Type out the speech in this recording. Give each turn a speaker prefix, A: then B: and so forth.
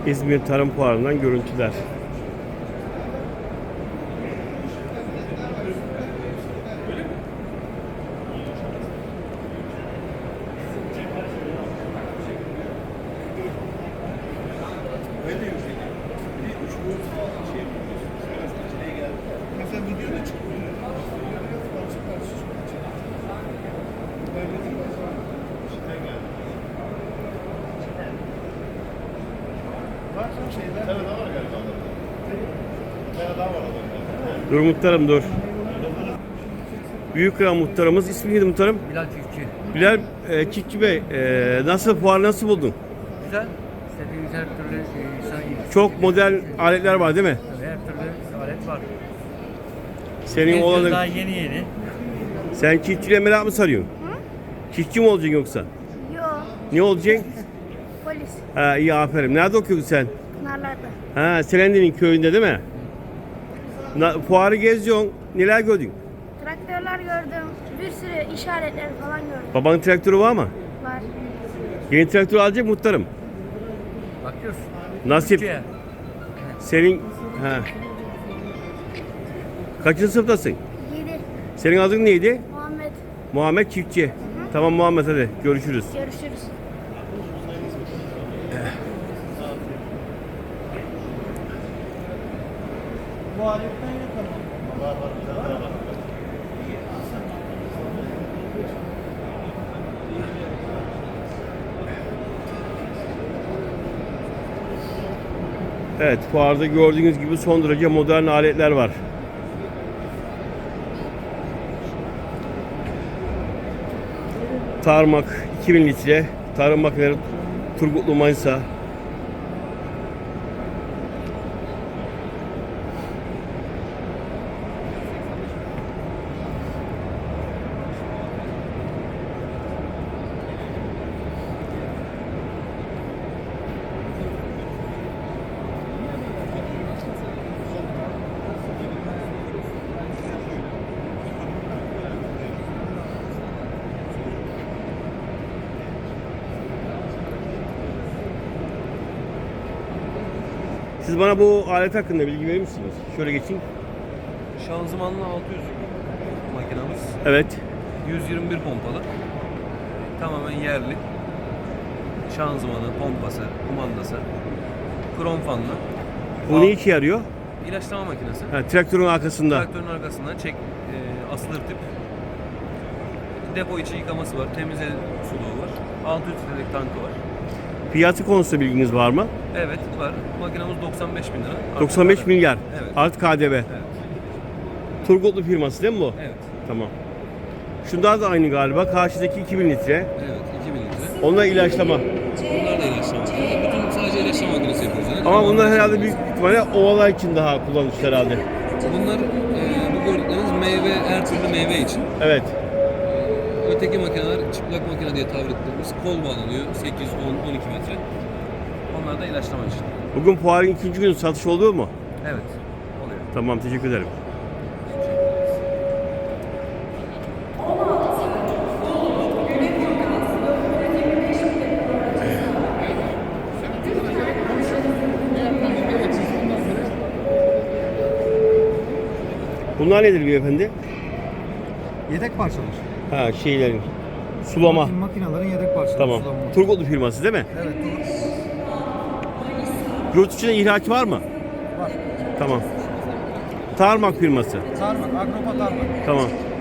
A: İzmir Tarım Fuarı'ndan görüntüler.
B: Mesela videoda çıkmıyor. Var şeyler. Evet, var galiba. Daha var orada.
A: Dur muhtarım dur. Büyükkıran muhtarımız. İsmi neydi muhtarım?
C: Bilal Çiftçi.
A: Bilal Çiftçi Bey. Nasıl fuar nasıl buldun?
C: Güzel. İstediğiniz her türlü
A: Çok modern aletler var değil mi?
C: her türlü alet var.
A: Senin
C: Daha
A: oğlanın.
C: yeni.
A: Sen çiftçiliğe merak mı sarıyorsun? Çiftçi mi olacaksın yoksa?
D: Yok,
A: Ne olacaksın?
D: polis.
A: Ha iyi aferin. Nerede okuyorsun sen?
D: Pınarlarda.
A: Ha Selendi'nin köyünde değil mi? Fuarı geziyorsun. Neler gördün?
D: Traktörler gördüm, bir sürü işaretler falan gördüm.
A: Babanın traktörü var mı?
D: Var.
A: Yeni traktör alacak muhtarım.
C: Bakıyoruz.
A: Nasip.
C: Türkiye.
A: Senin ha. Kaçıncı sınıftasın?
D: 7.
A: Senin adın neydi?
D: Muhammed.
A: Muhammed Çiftçi. Tamam Muhammed hadi görüşürüz.
D: Görüşürüz.
B: Bu aletten yapalım. Var.
A: Evet fuarda gördüğünüz gibi son derece modern aletler var. Tarmak 2000 litre, tarım makineleri Turgutlu Manisa. Siz bana bu alet hakkında bilgi verir misiniz? Şöyle geçeyim.
E: Şanzımanlı 600 makinamız.
A: Evet.
E: 121 pompalı. Tamamen yerli. Şanzımanı, pompası, kumandası. Krom fanlı.
A: Bu ne işe yarıyor?
E: İlaçlama makinesi.
A: Ha, traktörün arkasında.
E: Traktörün arkasından asılır tip. Depo içi yıkaması var. Temize suluğu var. 600 litrelik tankı var.
A: Fiyatı konusunda bilginiz var mı?
E: Evet var. Makinamız 95 bin lira. Artı
A: 95
E: KDV.
A: milyar.
E: Evet.
A: Artı KDV.
E: Evet.
A: Turgutlu firması değil mi bu?
E: Evet.
A: Tamam. Şunlar da aynı galiba. Karşıdaki 2000 litre.
E: Evet. 2000 litre.
A: Onlar ilaçlama.
E: Bunlar da ilaçlama makinesi. Bütün sadece ilaçlama makinesi yapıyoruz. Yani.
A: Ama bunlar herhalde
E: büyük
A: büyük ihtimalle ovalar için daha kullanışlı herhalde.
E: Bunlar bu gördükleriniz meyve, her türlü meyve için.
A: Evet.
E: Öteki makineler çıplak makine diye tabir ettiğimiz kol bağlanıyor 8, 10, 12 metre. Onlar da ilaçlama için.
A: Bugün fuarın ikinci günü satış oluyor mu?
E: Evet, oluyor.
A: Tamam teşekkür ederim. Bunlar nedir beyefendi?
B: Yedek parçalar.
A: Ha şeylerin sulama.
B: Makinelerin yedek parçaları.
A: Tamam.
B: Sulama.
A: Turgutlu firması değil mi?
B: Evet.
A: Yurt içinde ihraç var mı?
B: Var.
A: Tamam. Tarmak firması.
B: Tarmak, Agropa tarmak.
A: Tamam.